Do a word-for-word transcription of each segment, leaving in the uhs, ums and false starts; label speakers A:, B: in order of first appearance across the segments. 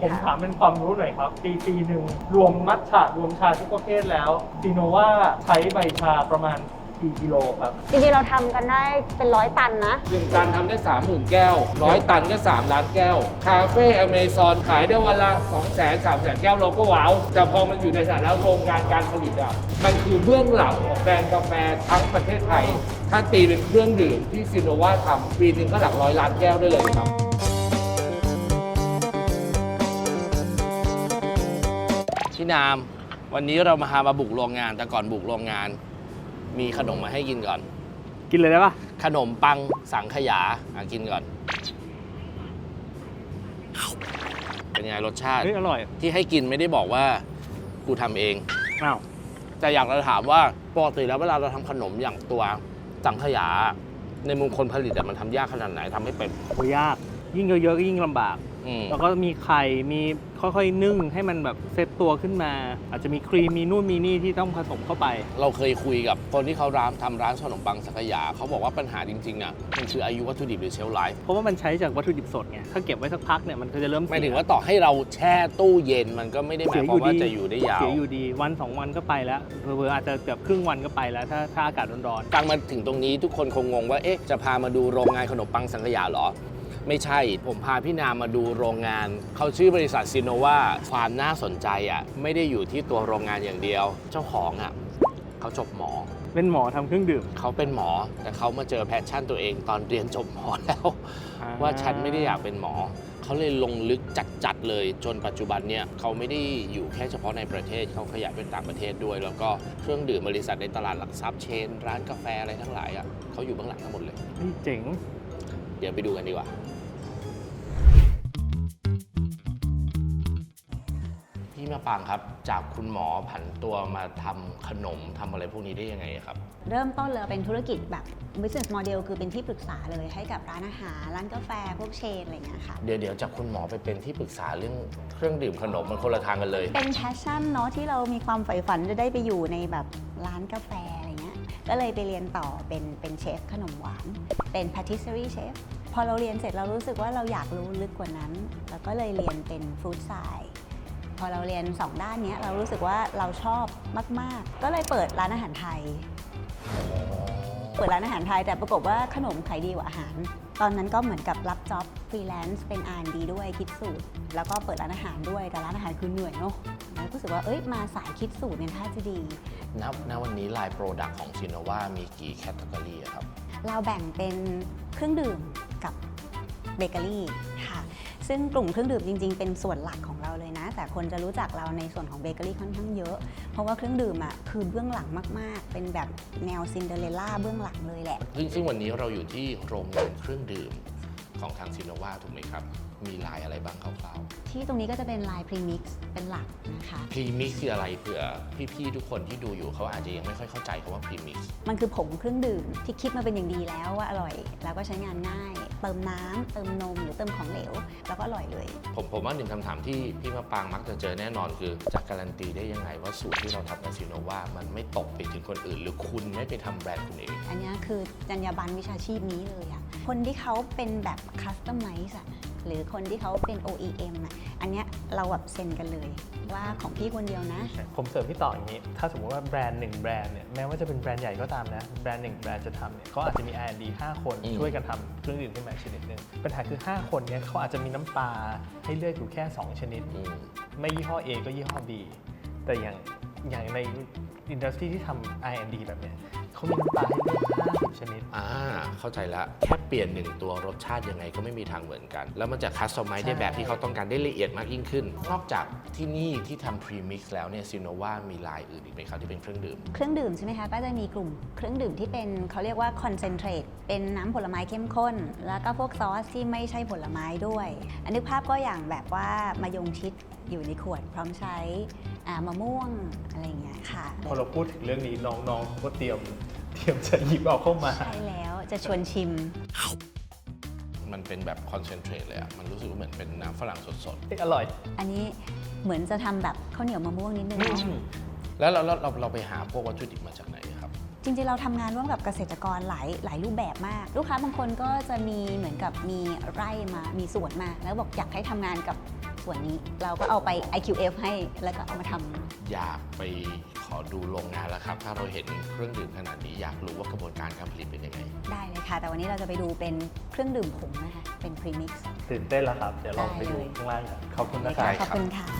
A: ผมถามเป็นความรู้หน่อยครับปีปีหนึ่งรวมมัทฉะรวมชาทุกประเภทแล้วซีโนว่าใช้ใบชาประมาณกี่กิโลครับ
B: จริงๆเราทำกันได้เป็นร้อยตันนะ
C: หนึ่งตันทำได้สามหมื่นแก้วร้อยตันก็สามล้านแก้วคาเฟ่อเมซอนขายได้วันละสองแสนสามแสนแก้วเราก็ว้าวแต่พอมันอยู่ในสถานะโรงงานการผลิตอ่ะมันคือเบื้องหลังของแบรนด์กาแฟทั้งประเทศไทยถ้าตีเป็นเครื่องดื่มที่ซิโนวาทำปีหนึ่งก็หลักร้อยล้านแก้วได้เลยครับพี่นามวันนี้เรามาหามาบุกโรงงานแต่ก่อนบุกโรงงานมีขนมมาให้กินก่อน
A: กินเลยได้ปะ
C: ขนมปังสังขยาอ่ะกินก่อนเป็นไงรสชาติ
A: อร่อย
C: ที่ให้กินไม่ได้บอกว่ากูทำเอง
A: อ้าว
C: แต่อยากจะถามว่าปกติแล้วเวลาเราทำขนมอย่างตัวสังขยาในมุมคนผลิตมันทำยากขนาดไหนทำให้เป็น
A: โอ้ยากยิ่งเยอะๆก็ยิ่งลำบากแล้วก็มีไข่มีค่อยๆนึ่งให้มันแบบเซตตัวขึ้นมาอาจจะมีครีมมีนู่นมีนี่ที่ต้องผสมเข้าไป
C: เราเคยคุยกับคนที่เขาร้านทำร้านขนมปังสังขยาเขาบอกว่าปัญหาจริงๆอ่ะมันคืออายุวัตถุดิบหรือเชลฟ์ไลฟ์
A: เพราะว่ามันใช้จากวัตถุดิบสดไงถ้าเก็บไว้สักพักเนี่ยมันก็จะเริ่ม
C: หมายถึงว่าต่อให้เราแช่ตู้เย็นมันก็ไม่ได้หมายความว่าจะอยู่ได้ยาว
A: เสียอยู่ดีวันสองวันก็ไปแล้วเผลอๆอาจจะเกือบครึ่งวันก็ไปแล้วถ้าถ้าอากาศร้อน
C: ๆฟังมาถึงตรงนี้ทุกคนคงงงว่าเอ๊ะจะพามาดูโรงงานขนมปังสังขยาหรอไม่ใช่ผมพาพี่นามมาดูโรงงานเขาชื่อบริษัทซิโนวาความน่าสนใจอ่ะไม่ได้อยู่ที่ตัวโรงงานอย่างเดียวเจ้าของอ่ะเขาจบหมอ
A: เป็นหมอทำเครื่องดื่ม
C: เขาเป็นหมอแต่เขามาเจอแพชชั่นตัวเองตอนเรียนจบหมอแล้วว่าฉันไม่ได้อยากเป็นหมอเขาเลยลงลึกจัดๆเลยจนปัจจุบันเนี่ยเขาไม่ได้อยู่แค่เฉพาะในประเทศเขาขยายเป็นต่างประเทศด้วยแล้วก็เครื่องดื่มบริษัทในตลาดหลักทรัพย์เชนร้านกาแฟอะไรทั้งหลายอ่ะเขาอยู่เบื้องหลังทั้งหมดเลย
A: เจ๋ง
C: เดี๋ยวไปดูกันดีกว่าพี่มาปางครับจากคุณหมอผันตัวมาทำขนมทำอะไรพวกนี้ได้ยังไงครับ
B: เริ่มต้นเลยเป็นธุรกิจแบบ business model คือเป็นที่ปรึกษาเลยให้กับร้านอาหารร้านกาแฟพวกเชนอะไรอย่างเงี้ยค่ะ
C: เดี๋ยวเดี๋ยวจากคุณหมอไปเป็นที่ปรึกษาเรื่องเครื่องดื่มขนมมันคนละทางกันเลย
B: เป็น passion เนาะที่เรามีความใฝ่ฝันจะได้ไปอยู่ในแบบร้านกาแฟอะไรเงี้ยก็เลยไปเรียนต่อเป็นเป็นเชฟขนมหวานเป็น patisserie chef พอเราเรียนเสร็จเรารู้สึกว่าเราอยากรู้ลึกกว่านั้นแล้วก็เลยเรียนเป็น food scienceพอเราเรียนสองด้านนี้เรารู้สึกว่าเราชอบมากๆก็เลยเปิดร้านอาหารไทยเปิดร้านอาหารไทยแต่ปรากฏว่าขนมขายดีกว่าอาหารตอนนั้นก็เหมือนกับรับจ็อบฟรีแลนซ์เป็น อาร์ แอนด์ ดี ด้วยคิดสูตรแล้วก็เปิดร้านอาหารด้วยแต่ร้านอาหารคือเหนื่อยเนาะแล้วรู้สึกว่าเอ้ยมาสายคิดสูตรเนี่ยถ้าจะดี
C: ณณวันนี้ไลน์โปรดักต์ของซิโนวามีกี่แคตตากรีครับ
B: เราแบ่งเป็นเครื่องดื่มกับเบเกอรี่ค่ะซึ่งกลุ่มเครื่องดื่มจริงๆเป็นส่วนหลักของเราเลยนะแต่คนจะรู้จักเราในส่วนของเบเกอรี่ค่อนข้างเยอะเพราะว่าเครื่องดื่มอ่ะคือเบื้องหลังมากๆเป็นแบบแนวซินเดอเรลล่าเบื้องหลังเลยแหละ
C: ซึ่งซึ่งวันนี้เราอยู่ที่โรงงานเครื่องดื่มของทางซิโนวาถูกไหมครับมีลายอะไรบ้างคร่าว
B: ๆที่ตรงนี้ก็จะเป็นลายพรีมิกซ์เป็นหลักนะคะ
C: พรีมิกซ์คืออะไรเผื่อพี่ๆทุกคนที่ดูอยู่เขาอาจจะยังไม่ค่อยเข้าใจคำว่าพรีมิกซ์
B: มันคือผงเครื่องดื่มที่คิดมาเป็นอย่างดีแล้วว่าอร่อยแล้วก็ใช้งานง่ายเติมน้ำเติมนมหรือเติมของเหลวแล้วก็อร่อยเลย
C: ผมผมว่าหนึ่งคำถามที่พี่มะปางมักจะเจอแน่นอนคือจะการันตีได้ยังไงว่าสูตรที่เราทำกับซิโนวามันไม่ตกไปถึงคนอื่นหรือคุณไม่ไปทำแบรนด์คุณเอง
B: อันนี้คือจรรยาบรรณวิชาชีพนี้เลยอะคนที่เขาเป็นแบบคัสตอมไมซ์อะหรือคนที่เขาเป็น โอ อี เอ็ม อ่ะอันเนี้ยเราแบบเซ็นกันเลยว่าของพี่คนเดียวนะ
A: ผมเสริมพี่ต่ออย่างนี้ถ้าสมมติว่าแบรนด์หนึ่งแบรนด์เนี่ยแม้ว่าจะเป็นแบรนด์ใหญ่ก็ตามนะแบรนด์หนึ่งแบรนด์จะทำเนี่ยเขาอาจจะมี อาร์ แอนด์ ดี ห้าคนช่วยกันทำเครื่องดื่มขึ้นมาชนิดหนึ่งปัญหาคือห้าคนเนี่ยเขาอาจจะมีน้ำปลาให้เลือกอยู่แค่สองชนิดไม่ยี่ห้อ A ก็ยี่ห้อ B แต่อย่างอย่างในอินดัสทรีที่ทำ อาร์ แอนด์ ดี แบบเนี้ยเขามีน้ำปลาให้เลือกห้าสิบชนิด
C: อ่าเข้าใจละแค่เปลี่ยนหนึ่งตัวรสชาติยังไงก็ไม่มีทางเหมือนกันแล้วมันจะคัสตอมไมซ์ได้แบบที่เขาต้องการได้ละเอียดมากยิ่งขึ้นนอกจากที่นี่ที่ทำพรีมิกซ์แล้วเนี่ยซิโนวามีลายอื่นอีกไหมครับที่เป็นเครื่องดื่ม
B: เครื่องดื่มใช่ไหมคะก็จะมีกลุ่มเครื่องดื่มที่เป็นเขาเรียกว่าคอนเซนเทรตเป็นน้ำผลไม้เข้มข้นแล้วก็พวกซอสที่ไม่ใช่ผลไม้ด้วยอันนึกภาพก็อย่างแบบว่ามายงชิดอยู่ในขวดพร้อมใช้มะม่วงอะไรอย่างเงี้ยค่ะ
A: พอเราพูดถึงเรื่องนี้น้องๆก็เตรียมเตรียมจะหยิบเอาเข้ามา
B: ใช่แล้วจะชวนชิม
C: มันเป็นแบบคอนเซนเทรตเลยอ่ะมันรู้สึกว่าเหมือนเป็นน้ำฝรั่งสด
A: ๆอร่อย
B: อันนี้เหมือนจะทำแบบข้าวเหนียวมะม่วงนิดนึง
C: แล้วเราเราเราไปหาพวกวัตถุดิบมาจากไหนครับ
B: จริงๆเราทำงานร่วมกับเกษตรกรหลายหลายรูปแบบมากลูกค้าบางคนก็จะมีเหมือนกับมีไร่มามีสวนมาแล้วบอกอยากให้ทำงานกับส่วนนี้เราก็เอาไป ไอ คิว เอฟ ให้แล้วก็เอามาทำ
D: อยากไปขอดูโรงงานแล้วครับ ถ้าเราเห็นเครื่องดื่มขนาดนี้อยากรู้ว่ากระบวนการการผลิตเป็นยังไง
B: ได้เลยค่ะ แต่วันนี้เราจะไปดูเป็นเครื่องดื่มผงนะคะ เป็น premix
A: ตื่นเต้นแล้วครับ เดี๋ยวลองไปดู
B: ได้เลย
A: ข้างล่างกันขอบคุณนะครับ
B: ขอบคุณค่ะ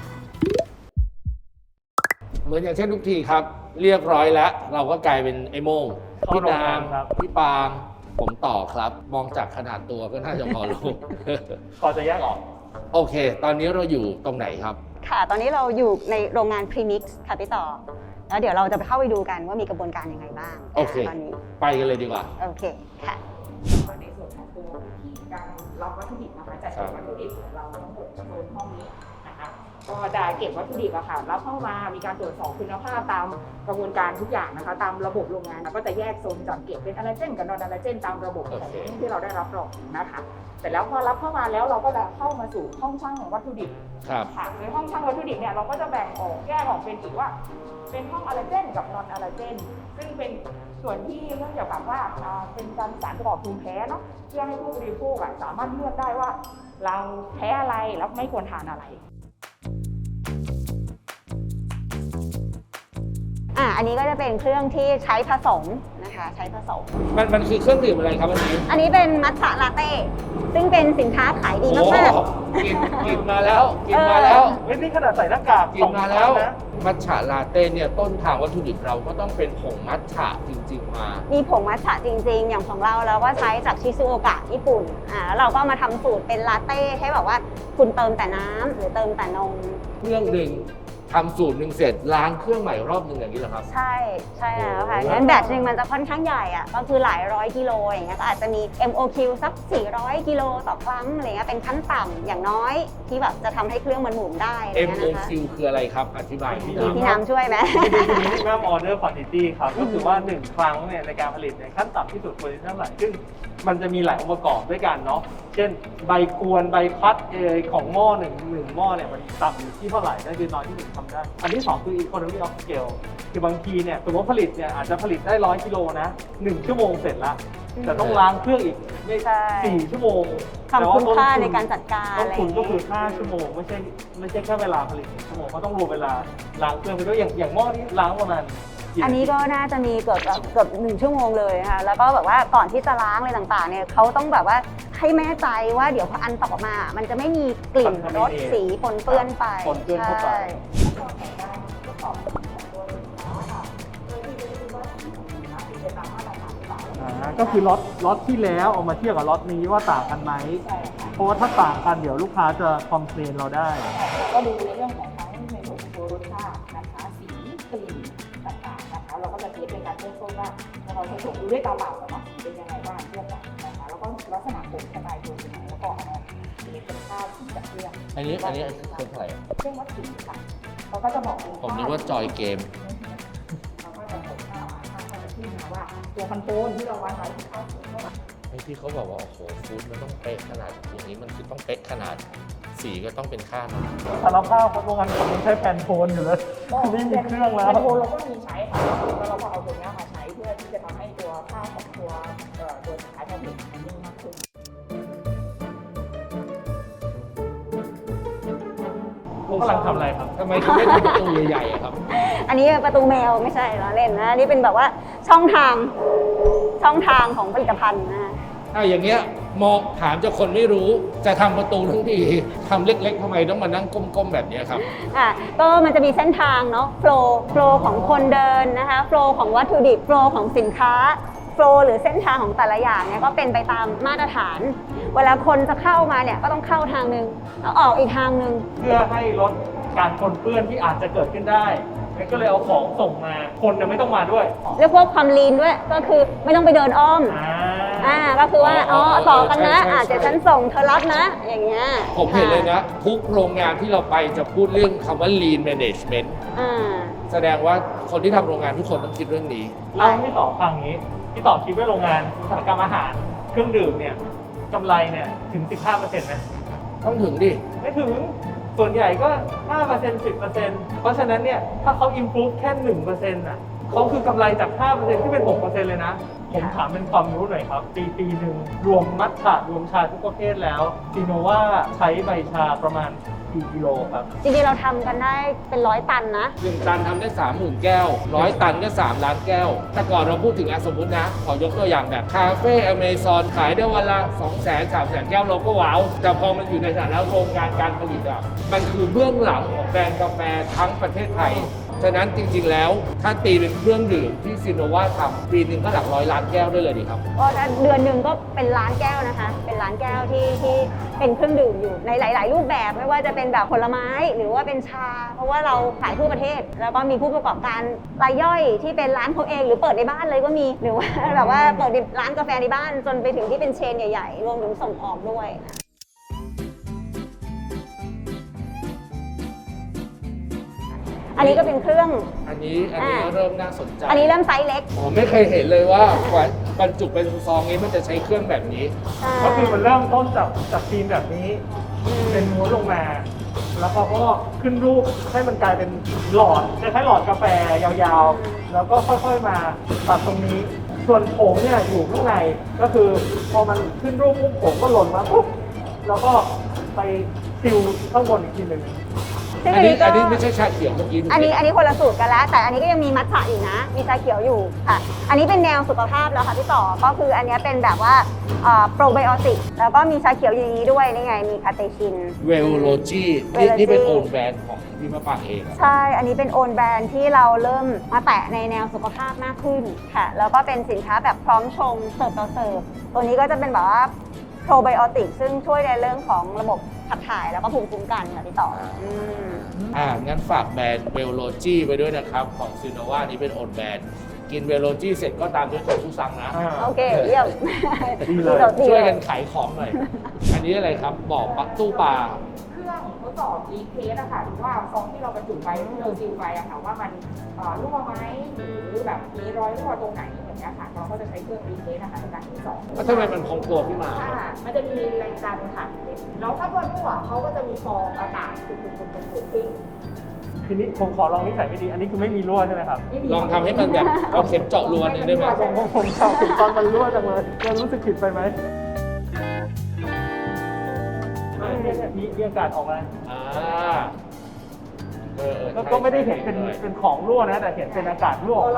C: เหมือนอย่างเช่นทุกทีครับ เรียบร้อยแล้ว เราก็กลายเป็นไอ้โม่ง
A: เข้า
C: พี่
A: โรง
C: นาง
A: าม นครับ
C: พี่ปางผมต่อครับ มองจากขนาดตัวก็น่าจะพอรู้
A: พอจะแยกออก
C: โอเค ตอนนี้เราอยู่ตรงไหนครับ
B: ค่ะ ตอนนี้เราอยู่ในโรงงาน premix ค่ะพี่ต่อ แล้วเดี๋ยวเราจะไปเข้าไปดูกันว่ามีกระบวนการยังไงบ้าง
C: โอเค
B: ตอนนี้
C: ไปกันเลยดีกว่า
B: โอเค ค่ะ
E: ในส่วนของตัววิธีการรับวัตถุดิบนะคะจัดเก็บวัตถุดิบของเราทั้งหมดโซนห้องนี้นะคะก็จะเก็บวัตถุดิบอะค่ะรับเข้ามามีการตรวจสอบคุณภาพตามกระบวนการทุกอย่างนะคะตามระบบโรงงานแล้วก็จะแยกโซนจัดเก็บเป็นอะลาเจนกับนอนอะลาเจนตามระบบของ
C: โอเค
E: ที่เราได้รับรองนะคะเสร็จแล้วพอรับเข้ามาแล้วเราก็จะเข้ามาสู่ห้องช่างของวัตถุดิบ
C: ครับ
E: ค่ะในห้องช่างวัตถุดิบเนี่ยเราก็จะแบ่งออกแยกออกเป็นอีกว่า เป็นห้องอะลาเจนกับนอนอะลาเจนซึ่งเป็นส่วนที่เรื่องเกี่ยวกับว่าอ่าเป็นการสารประกอบภูมิแพ้เนาะเพื่อให้ผู้บริโภคอะสามารถเลือกได้ว่า เราแพ้อะไรแล้วไม่ควรทานอะไร
B: อ่ะ อันนี้ก็จะเป็นเครื่องที่ใช้ผสมนะคะ ใช้ผสม
C: มันมันคือเครื่องดื่มอะไรครับอันนี้
B: อันนี้เป็นมัทฉะลาเต้ ซึ่งเป็นสินค้าขายดี
C: โอ้
B: มาก
C: กินกินมาแล้ว กินมาแล้ว
A: เฮ้ยนี่ขนาดใส่หน้ากาก
C: กินมาแล้ว
A: สองชั้นนะ
C: มัทฉะลาเต้เนี่ยต้นทางวัตถุดิบเราก็ต้องเป็นผงมัทฉะจริง ๆ มา
B: ๆ มีผงมัทฉะจริงๆ อย่างของเราเราก็ใช้จากชิซูโอกะญี่ปุ่น อ่า แล้วเราก็มาทำสูตรเป็นลาเต้ให้แบบว่าคุณเติมแต่น้ำหรือเติมแต่นม
C: เครื่องหนึ่งทำสูตรหนึ่งเสร็จล้างเครื่องใหม่รอบหนึ่งอย่างนี้เหรอครับ
B: ใช่ ใช่แล้วค่ะ
C: โอ้โห
B: งั้นแบตหนึ่งมันจะค่อนข้างใหญ่อะก็คือหลายร้อยกิโลอย่างเงี้ย ก็อาจจะมี เอ็ม โอ คิว สัก สี่ร้อยกิโลต่อครั้งอะไรเงี้ย เป็นขั้นต่ำอย่างน้อยที่แบบจะทำให้เครื่องมันหมุนได้อะไร
C: เอ็ม
B: เงี้ย
C: โอ
B: นะคะ
C: คิว คืออะไรครับ อธิบายพี่ห
B: มี
C: น่อย
B: พี่น้ำช่วยไหม
A: minimum order quantity ครับ ก็คือว่า หนึ่ง ครั้งเนี่ยในการผลิตเนี่ยขั้นต่ำที่สุดควรจะเท่าไหร่ซึ่งมันจะมีหลายองค์ประกอบด้วยกันเนาะ เช่นใบกวนใบพัดเอยของหม้อหนึ่งหนึ่งหม้อเนี่ยมันต่ำอยู่ที่เท่าไหร่นั่นคือน้อยที่สุดทำได้ อันที่สองคือ economy of scale คือบางทีเนี่ยสมมติผลิตเนี่ยอาจจะผลิตได้ร้อยกิโลนะหนึ่งชั่วโมงเสร็จละแต่ต้องล้างเครื่องอีกไม่
B: ใช่
A: สี่ชั่วโมง
B: ความคุ้มค่าในการจัดการ
A: ต้
B: อะ
A: น
B: ไรอ
A: ทุน
B: ย่าง
A: ก็
B: เงี้
A: คือย ห้าชั่วโมงไม่ใช่ไม่ใช่แค่เวลาผลิตหนึ่งชั่วโมงเขาต้องรวมเวลาล้างเครื่องไปด้วยอย่างอย่างหม้อนี้ล้างประมาณกี่
B: อันนี้ก็น่าจะมีเกือบเกือบหนึ่งชั่วโมงเลยนะคะแล้วก็แบบว่าก่อนที่จะล้างอะไรต่างๆเนี่ยเขาต้องแบบว่าให้แม่ใจว่าเดี๋ยวพออันต่อมา มันจะไม่มีกลิ่นรสสีปนเปื้อนไป
A: ปนเปื้อนเข้าไป
B: ใช่
A: อ่าก็คือล็อตล็อตที่แล้วเอามาเทียบกับล็อตนี้ว่าต่างกันไหม
E: ใช่ค่ะ
A: เพราะว่าถ้าต่างกันเดี๋ยวลูกค้าจะคอมเพลนเราได้
E: ก็ดูในเรื่องของทั้งในส่วนของตัวรสชาตินะคะสีกลิ่นต่างๆนะคะเราก็จะเทสเป็นการเริ่มต้นว่าเราใช้ถุงดูด้วยตาเปล่าก่อนเนาะเป็นยังไงบ้างเทียบกันนะคะแล้วก็ลักษณะผลสไตล์ตัวเป็นยังไงแล้วก็เอามาเทสเป็นค่าสีจากเครื่อง
C: อันนี้อันนี้เครื่องอะไร
E: เครื่องวัดสีค่ะเราก็จะบอกเป็น
C: ผมนึกว่าจอยเกม
E: เราก็จะบอกค่าค่าค่าจะขึ้นมาว่าตัวคอนโทรลที่เราวัดไว้ที่ค่าสูงเท่าไหร่
D: ไอ้ที่เขาบอกว่า โอ้โหฟู้ดมันต้องเป๊ะขนาดอย่างนี้มันคือต้องเป๊ะขนาด สีก็ต้องเป็นค่ามัน
A: สารภาพเพราะโรงงานผมมันใช้แผ่นโทนอยู่เลยไม่มีเครื่องแล้ว
E: คอนโทรลเราก็มีใช้ค่ะแล้วเราก็เอาตัวนี้มาใช้เพื่อที่จะทำให้ตัวค่าของตัวเอ่อตัวสินค้าผลิตมันนิ่งมากขึ้น
A: ผมกำลังทำอะไรครับ
C: ทำไมถึงไม่ทำประตูใหญ่ๆอะครับ
B: อันนี้ประตูแมวไม่ใช่ล้อเล่นนะอันนี่เป็นแบบว่าช่องทางช่องทางของผลิตภัณฑ์นะ
C: ถ้าอย่างเงี้ยมองถามจากคนไม่รู้จะทำประตูทั้งทีทำเล็กๆทำไมต้องมานั่งก้มๆแบบเนี้ยครับ
B: อ่ะก็มันจะมีเส้นทางเนาะโฟล์โฟล์ของคนเดินนะคะโฟล์ของวัตถุดิบโฟล์ของสินค้าโฟล์หรือเส้นทางของแต่ละอย่างเนี่ยก็เป็นไปตามมาตรฐาน เวลาคนจะเข้ามาเนี่ยก็ต้องเข้าทางนึงแล้วออกอีกทางนึง
A: เพื่อให้ลดการปนเปื้อนที่อาจจะเกิดขึ้นได้งั้นก็เลยเอาของส่งมา คนเนี่ยไม่ต้องมาด้วย
B: เรียกว่าความลีนด้วยก็คือไม่ต้องไปเดินอ้อม
A: อ่า
B: อ่าก็คือว่าอ๋อ
C: อ๋อ
B: ต่อกันนะ
C: ใช่ใช่
B: อาจจะ
C: ใช่
B: ฉันส่งเธอรับนะ อย่างเงี้ย
C: ผมเห็นเลยนะ ทุกโรงงานที่เราไปจะพูดเรื่องคำว่า lean management
B: อ่า
C: แสดงว่าคนที่ทำโรงงานทุกคนต้องคิดเรื่องนี้
A: เล่าให้พี่ต่อฟังอย่างนี้พี่ต่อคิดว่าโรงงานอุตสาหกรรมอาหาร เครื่องดื่มเนี่ยกำไรเนี่ยถึง สิบห้าเปอร์เซ็นต์ไหม
C: ต้องถึงดิ
A: ไม่ถึง ส่วนใหญ่ก็ ห้าเปอร์เซ็นต์ สิบเปอร์เซ็นต์ เพราะฉะนั้นเนี่ยถ้าเขา improve แค่ หนึ่งเปอร์เซ็นต์ อ่ะเขาคือกำไรจาก ห้าเปอร์เซ็นต์ ที่เป็น หกเปอร์เซ็นต์ เลยนะ ผมถามเป็นความรู้หน่อยครับ ปีปีหนึ่งรวมมัทฉะรวมชาทุกประเภทแล้วซีโนว่าใช้ใบชาประมาณกี่กิโลครับ
B: จริงๆเราทำกันได้เป็นร้อยตันนะ
C: หนึ่งตันทำได้สามหมื่นแก้วร้อยตันก็สามล้านแก้ว แต่ก่อนเราพูดถึงอ่ะสมมตินะ ขอยกตัวอย่างแบบคาเฟ่อเมซอนขายได้วันละสองแสนสามแสนแก้วเราก็ว้าว แต่พอมันอยู่ในฐานะโรงงานการผลิตอ่ะมันคือเบื้องหลังของแบรนด์กาแฟทั้งประเทศไทย ฉะนั้นจริงๆแล้วถ้าตีเป็นเครื่องดื่มที่ซินโนวาทำปีหนึ่งก็หลักร้อยล้านแก้วได้เลยดีครับ
B: ก็เดือนหนึ่งก็เป็นล้านแก้วนะคะ เป็นล้านแก้วที่ที่เป็นเครื่องดื่มอยู่ในหลาย ๆ รูปแบบไม่ว่าจะเป็นแบบผลไม้หรือว่าเป็นชา เพราะว่าเราขายทั่วประเทศ แล้วก็มีผู้ประกอบการรายย่อยที่เป็นร้านเขาเองหรือเปิดในบ้านเลยก็มีหรือว่าแบบว่าเปิดร้านกาแฟในบ้านจนไปถึงที่เป็นเชนใหญ่ ๆ รวมถึงส่งออกด้วย อันนี้ก็เป็นเครื่อง
C: อันนี้อันนี้
B: อ่า
C: เริ่มน่าสนใจ
B: อันนี้เริ่มไซส์เล็ก
C: ผมไม่เคยเห็นเลยว่ากว่าบรรจุเป็นซองนี้มันจะใช้เครื่องแบบนี้
A: ก็คือมันเริ่มต้นจากจากฟิล์มแบบนี้ เป็นม้วนลงมา แล้วเขาก็ขึ้นรูปให้มันกลายเป็นหลอดคล้ายๆหลอดกาแฟยาวๆ แล้วก็ค่อยๆมาตัดตรงนี้ ส่วนผงเนี่ยอยู่ข้างใน ก็คือพอมันขึ้นรูปปุ๊บผงก็หล่นมาปุ๊บ แล้วก็ไปซิลข้างบนอีกทีหนึ่ง
B: ซึ่ง
C: อันนี้
B: ก็
C: อันนี้ไม่ใช่ชาเขียวเมื่อกี้ดูสิ
B: อันนี้อันนี้คนละสูตรกันแล้ว แต่อันนี้ก็ยังมีมัทฉะอยู่นะ มีชาเขียวอยู่ค่ะ อันนี้เป็นแนวสุขภาพแล้วค่ะพี่ต่อ ก็คืออันนี้เป็นแบบว่าโปรไบโอติก แล้วก็มีชาเขียวอย่างนี้ด้วยนี่ไง มีคาเตชิน
C: เวลโลจีนี่นี่เป็นโอนแบรนด์ของพี่มะปรางเองอะ
B: ใช่ อันนี้เป็นโอนแบรนด์ที่เราเริ่มมาแตะในแนวสุขภาพมากขึ้นค่ะ แล้วก็เป็นสินค้าแบบพร้อมชงเสิร์ฟต่อเสิร์ฟ ตัวนี้ก็จะเป็นแบบว่าโปรไบโอติกซึ่งช่วยในเรื่องของระบบขับถ่ายแล้วก็ภูมิคุ้มกันค่ะพี่ต่ออืม
C: อ่างั้นฝากแบรนด์เวลโลจีไปด้วยนะครับ ของซินโนวานี่เป็นโอนแบรนด์กินเวลโลจีเสร็จก็ตามด้วยโคชูซังนะ
B: โอเค เยี่ยม
A: ดีเลย
B: ดี
C: ช่วย
B: เล
C: กันขายของหน่อย อันนี้อะไรครับบอกปักตู้ปลา
E: เครื่องทดสอบรีเทสอะค่ะหรือว่าซองที่เราบรรจุไปที่เราซีลไปอะค่ะว่ามันเอ่อรั่วไหมหรือแบบมีรอยรั่วตรงไหนอย่างเงี้ยค่ะเราก็จะใช้เครื่องรีเทสนะคะในการทดสอบ
C: แล้วทำไมมันพองตัวขึ้นมา
E: ค่ะมันจะมีแรงดันค่ะแล้วถ้าบนรั่วเขาก็จะมีฟองอากาศตุ่มๆๆๆขึ้น
A: ทีนี้ผมขอลองนิสัยไม่ดี อันนี้คือไม่มีรั่วใช่ไหมครับ
E: ไม่มี
C: ลองทำให้มันแบบเอาเข็มเจาะรูอันหนึงได้ไหม
A: ผมผมผมชอบถึงตอนมันรั่วจังเลยเรารู้สึกผิดไปไหมเนี่ยเนี่ยมีมีอากาศออกมา
C: อ่าเออเออ
A: ก็
C: ใช่
A: ก็ไม่ได้เห็นเป็น
C: ใช่
A: เป็นของรั่วนะ แต่เห็นเป็นอากาศรั่วออกมา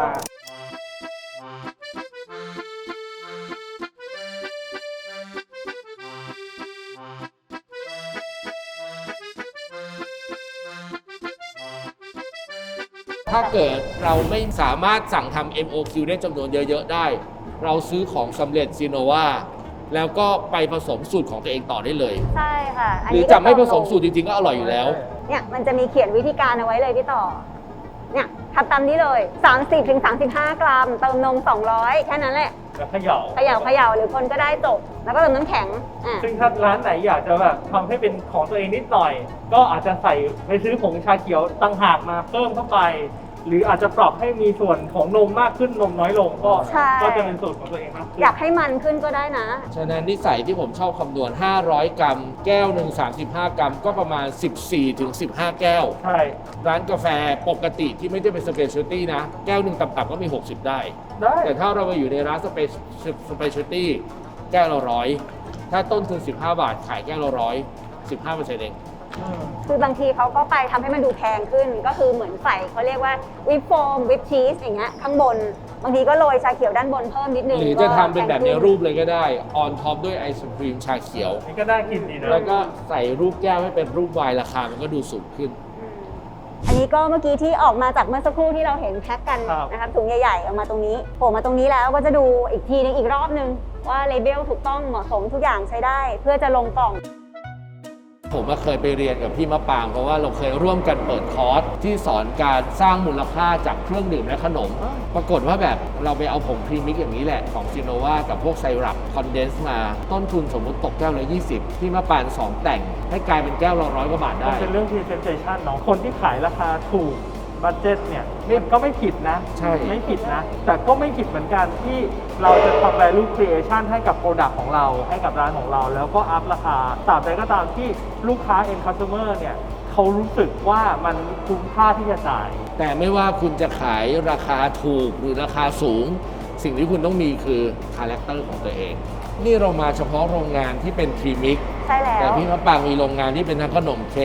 C: ถ้าเกิดเราไม่สามารถสั่งทำ เอ็ม โอ คิว ได้จำนวนเยอะ ๆ ได้ เราซื้อของสำเร็จซิโนวาแล้วก็ไปผสมสูตรของตัวเองต่อได้เลย
B: ใช่ค่ะน
C: หรือ
B: นี้
C: จะไม่ผสม
B: ก็
C: สูตรจริง ๆ ก็อร่อยอยู่แล้ว
B: เนี่ยมันจะมีเขียนวิธีการเอาไว้เลยพี่ต่อ เนี่ยทำตามนี้เลย สามสิบถึงสามสิบห้า กรัม เติมนม สองร้อย แค่นั้นแหละ
A: แล้วเขย่า
B: เขย่าเขย่าหรือคนก็ได้จบ แล้วก็เติมน้ำแข็งอ่ะ
A: ซึ่งถ้าร้านไหนอยากจะแบบทำให้เป็นของตัวเองนิดหน่อย ก็อาจจะใส่ไปซื้อผงชาเขียวต่างหากมาเพิ่มเข้าไป หรืออาจจะปรับให้มีส่วนของนมมากขึ้นนมน้อยลงก็
B: ใช่
A: ก็จะเป็นสูตรของตัวเองมากขึ้น
B: อยากให้มันขึ้นก็ได้นะ
C: ฉะนั้นนิสัยที่ผมชอบคำนวณ ห้าร้อย กรัม แก้วหนึ่งสามสิบห้า กรัม ก็ประมาณ สิบสี่ถึงสิบห้า แก้ว
A: ใช่
C: ร้านกาแฟปกติที่ไม่ได้เป็นสเปเชียลตี้นะ แก้วหนึ่งต่ำๆก็มี หกสิบ ได้
A: ได้
C: แต่ถ้าเราไปอยู่ในร้านสเปสเปเชียลตี้แก้วละร้อยถ้าต้นทุนสิบห้า บาทขายแก้วละร้อยสิบห้าเปอร์เซ็นต์เอง
A: อืม
B: คือบางทีเขาก็ไปทำให้มันดูแพงขึ้น ก็คือเหมือนใส่เขาเรียกว่าวิปโฟมวิปชีสอย่างเงี้ยข้างบน บางทีก็โรยชาเขียวด้านบนเพิ่มนิดนึง
C: หรือจะทำเป็นแบบใน
B: ก็พงขึ้
C: รูปเลยก็ได้ ออนท็อปด้วยไอศครีมชาเขียว
A: นี่ก็น่ากินดีนะ
C: แล้วก็ใส่รูปแก้วให้เป็นรูปวายราคามันก็ดูสูงขึ้น
B: อันนี้ก็เมื่อกี้ที่ออกมาจากเมื่อสักครู่ที่เราเห็นแพ็คกัน
A: ครับ
B: นะครับถุงใหญ่ๆออกมาตรงนี้โผล่มาตรงนี้แล้วก็จะดูอีกทีนึงอีกรอบนึงว่าเลเบลถูกต้องเหมาะสมทุกอย่างใช้ได้ เพื่อจะลงกล่อง
C: ผมก็เคยไปเรียนกับพี่มะปรางเพราะว่าเราเคยร่วมกันเปิดคอร์สที่สอนการสร้างมูลค่าจากเครื่องดื่มและขนม ปรากฏว่าแบบเราไปเอาผงพรีมิกอย่างนี้แหละของซิโนวากับพวกไซรัปคอนเดนซ์มาต้นทุนสมมุติตกแก้วละยี่สิบพี่มะปรางสองแต่งให้กลายเป็นแก้วละร้อยกว่าบาท
A: มัน
C: ได้
A: เป็นเรื่อง presentation เนาะคนที่ขายราคาถูกบัตเจ็ตเนี่ยมันก็ไม่ผิดนะ
C: ใช่
A: ไม่ผิดนะ แต่ก็ไม่ผิดเหมือนกันที่เราจะทำ value creation ให้กับ product ของเรา ให้กับร้านของเรา แล้วก็อัพราคาตราบใดก็ตามที่ลูกค้า end customer เนี่ยเขารู้สึกว่ามันคุ้มค่าที่จะจ่าย
C: แต่ไม่ว่าคุณจะขายราคาถูกหรือราคาสูง สิ่งที่คุณต้องมีคือคาแรคเตอร์ของตัวเอง นี่เรามาเฉพาะโรงงานที่เป็นพรีมิก
B: ใช่แล้ว
C: แต่พี่มะปรางมีโรงงานที่เป็นทั้งขนมเค้ก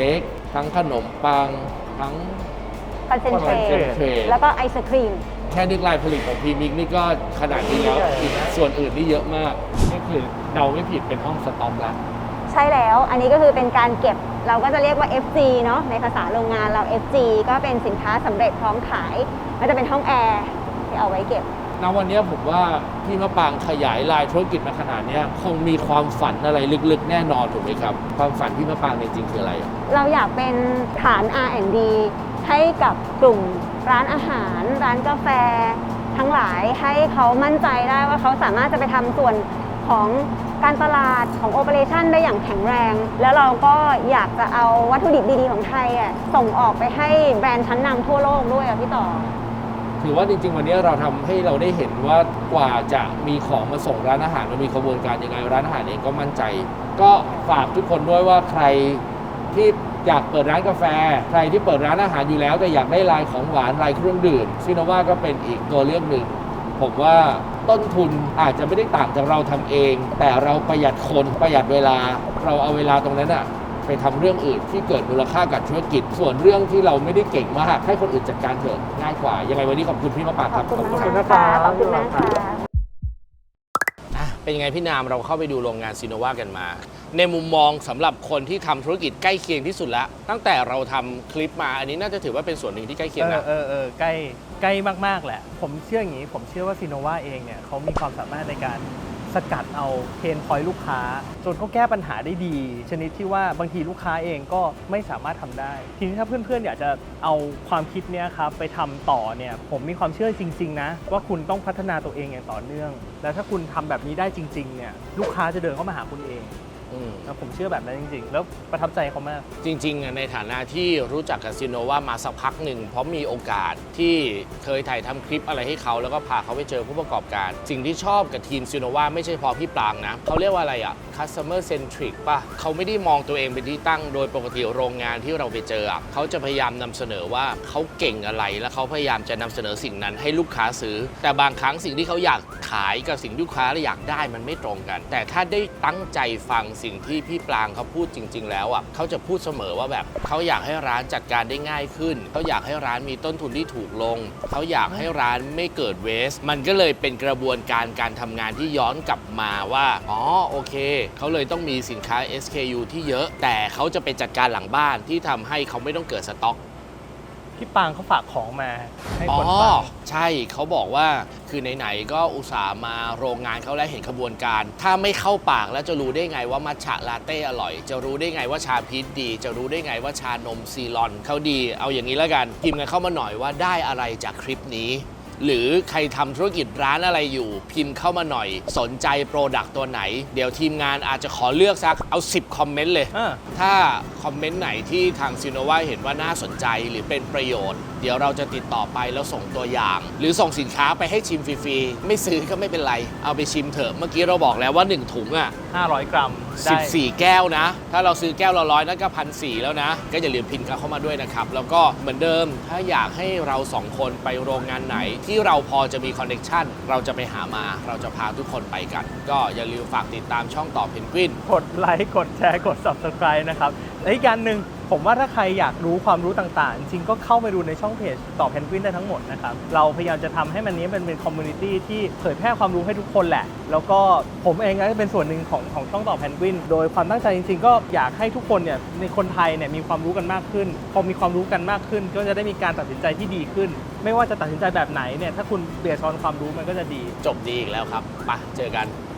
C: ทั้งขนมปังทั้ง
B: คอนเซนเทรต
C: concentrate
B: แล้วก็ไอศครีม
C: แค่นึกลายผลิตของพรีมิกนี่ก็ขนาดนี้แล้วอีกส่วนอื่นนี่เยอะมากนี่คือเดาไม่ผิดเป็นห้องสต็อกแล้ว
B: ใช่แล้ว อันนี้ก็คือเป็นการเก็บ เราก็จะเรียกว่า เอฟ จี เนาะ ในภาษาโรงงานเรา เอฟ จี ก็เป็นสินค้าสำเร็จพร้อมขาย มันจะเป็นห้องแอร์ที่เอาไว้เก็บ
C: ณวันนี้ผมว่าพี่มะปางขยายลายธุรกิจมาขนาดนี้คงมีความฝันอะไรลึกๆแน่นอนถูกไหมครับ ความฝันพี่มะปางจริงๆคืออะไรอ่ะ
B: เราอยากเป็นฐาน อาร์ แอนด์ ดี ให้กับกลุ่มร้านอาหาร ร้านกาแฟ ทั้งหลายให้เขามั่นใจได้ว่าเขาสามารถจะไปทำส่วนของการตลาดของโอเปอเรชันได้อย่างแข็งแรง แล้วเราก็อยากจะเอาวัตถุดิบดีๆของไทยอ่ะส่งออกไปให้แบรนด์ชั้นนำทั่วโลกด้วยอ่ะพี่ต่อ
C: ถือว่าจริงๆวันนี้เราทำให้เราได้เห็นว่ากว่าจะมีของมาส่งร้านอาหารมันมีกระบวนการยังไงร้านอาหารเองก็มั่นใจ ก็ฝากทุกคนด้วยว่าใครที่อยากเปิดร้านกาแฟ ใครที่เปิดร้านอาหารอยู่แล้วแต่อยากได้ลายของหวานลายเครื่องดื่มซิโนวาก็เป็นอีกตัวเลือกหนึ่งผมว่าต้นทุนอาจจะไม่ได้ต่างจากเราทำเอง แต่เราประหยัดคนประหยัดเวลา เราเอาเวลาตรงนั้นอะไปทำเรื่องอื่นที่เกิดมูลค่ากับธุรกิจ ส่วนเรื่องที่เราไม่ได้เก่งมากให้คนอื่นจัดการเถอะง่ายกว่ายังไงวันนี้ขอบคุณพี่มะปาง
B: ข
C: ค
B: อ
C: รั
B: บบ คุณ
A: ขอบคุณ
B: มาก
A: นะครับ
B: ขอบคุณมากค่ะ
D: อ่ะเป็นยังไงพี่นามเราเข้าไปดูโรงงานซีโนวากันมา ในมุมมองสำหรับคนที่ทำธุรกิจใกล้เคียงที่สุดแล้ว ตั้งแต่เราทำคลิปมาอันนี้น่าจะถือว่าเป็นส่วนหนึ่งที่ใกล้เคียง
A: เออ
D: นะ
A: เออเออใกล้ใกล้มากๆแหละ ผมเชื่ออย่างนี้ ผมเชื่อว่าซีโนวาเองเนี่ยเขามีความสามารถในการสกัดเอาเพนพอยต์ลูกค้า จนเขาแก้ปัญหาได้ดี ชนิดที่ว่าบางทีลูกค้าเองก็ไม่สามารถทำได้ ทีนี้ถ้าเพื่อนๆอยากจะเอาความคิดเนี้ยครับไปทำต่อเนี่ยผมมีความเชื่อจริงๆนะว่าคุณต้องพัฒนาตัวเองอย่างต่อเนื่อง แล้วถ้าคุณทำแบบนี้ได้จริงๆเนี่ยลูกค้าจะเดินเข้ามาหาคุณเอง
D: อืม
A: แล้วผมเชื่อแบบนั้นจริงๆ แล้วประทับใจเขามาก
D: จริงๆอ่ะในฐานะที่รู้จักกับซีโนวามาสักพักหนึ่งเพราะมีโอกาสที่เคยถ่ายทำคลิปอะไรให้เขาแล้วก็พาเขาไปเจอผู้ประกอบการ สิ่งที่ชอบกับทีมซีโนวาไม่ใช่พอพี่ปรางนะเขาเรียกว่าอะไรอ่ะ customer centric ป่ะเขาไม่ได้มองตัวเองเป็นที่ตั้งโดยปกติโรงงานที่เราไปเจออ่ะเขาจะพยายามนำเสนอว่าเขาเก่งอะไรแล้วเขาพยายามจะนำเสนอสิ่งนั้นให้ลูกค้าซื้อ แต่บางครั้งสิ่งที่เขาอยากขายกับสิ่งที่ลูกค้าอยากได้มันไม่ตรงกัน แต่ถ้าได้ตั้งใจฟังสิ่งที่พี่ปรางเขาพูดจริง ๆ แล้วอ่ะเขาจะพูดเสมอว่าแบบเขาอยากให้ร้านจัดการได้ง่ายขึ้นเขาอยากให้ร้านมีต้นทุนที่ถูกลงเขาอยากให้ร้านไม่เกิดเวสมันก็เลยเป็นกระบวนการการทำงานที่ย้อนกลับมาว่าอ๋อโอเคเขาเลยต้องมีสินค้า เอส เค ยู ที่เยอะแต่เขาจะไปจัดการหลังบ้านที่ทำให้เขาไม่ต้องเกิดสต็อก
A: พี่ปางเขาฝากของมาให้
D: อ๋
A: ค
D: อน
A: ฟัง
D: ใช่เขาบอกว่าคือไหนๆก็อุตส่าห์มาโรงงานเขาแล้วเห็นขบวนการ ถ้าไม่เข้าปากแล้วจะรู้ได้ไงว่ามัทฉะลาเต้อร่อย จะรู้ได้ไงว่าชาพีชดี จะรู้ได้ไงว่าชานมซีลอนเขาดี เอาอย่างนี้แล้วกันพิมพ์กันเข้ามาหน่อยว่าได้อะไรจากคลิปนี้ หรือใครทำธุรกิจร้านอะไรอยู่ พิมพ์เข้ามาหน่อย สนใจโปรดักต์ตัวไหน เดี๋ยวทีมงานอาจจะขอเลือกสักเอาสิบคอมเมนต์เลย
A: อ่า
D: ถ้าคอมเมนต์ไหนที่ทางซีโนวาเห็นว่าน่าสนใจหรือเป็นประโยชน์ เดี๋ยวเราจะติดต่อไปแล้วส่งตัวอย่าง หรือส่งสินค้าไปให้ชิมฟรีๆไม่ซื้อก็ไม่เป็นไร เอาไปชิมเถอะเมื่อกี้เราบอกแล้วว่าหนึ่งถุงอ่ะ
A: ห้าร้อยกรัมได้
D: สิบสี่แก้วนะ ถ้าเราซื้อแก้วละร้อยนั่นก็พันสี่แล้วนะ ก็อย่าลืมพิมพ์กันเข้ามาด้วยนะครับ แล้วก็เหมือนเดิมถ้าอยากให้เราสองคนไปโรงงานไหน ที่เราพอจะมีคอนเนคชั่นเราจะไปหามาเราจะพาทุกคนไปกัน ก็อย่าลืมฝากติดตามช่องต่อเพนกวิน
A: กดไลค์ กดแชร์ กด Subscribe นะครับ และอีกอย่างหนึ่งผมว่าถ้าใครอยากรู้ความรู้ต่างๆ จริงๆก็เข้าไปดูในช่องเพจต่อเพนกวินได้ทั้งหมดนะครับ เราพยายามจะทำให้มันนี้เป็นเป็นคอมมูนิตี้ที่เผยแพร่ความรู้ให้ทุกคนแหละ แล้วก็ผมเองก็เป็นส่วนหนึ่งของของช่องต่อเพนกวินโดยความตั้งใจจริงๆ ก็อยากให้ทุกคนเนี่ยในคนไทยเนี่ยมีความรู้กันมากขึ้น พอมีความรู้กันมากขึ้น ก็จะได้มีการตัดสินใจที่ดีขึ้น ไม่ว่าจะตัดสินใจแบบไหนเนี่ยถ้าคุณเบียร์ชอนความรู้มันก็จะดี
D: จบดีอีกแล้วครับไปเจอกัน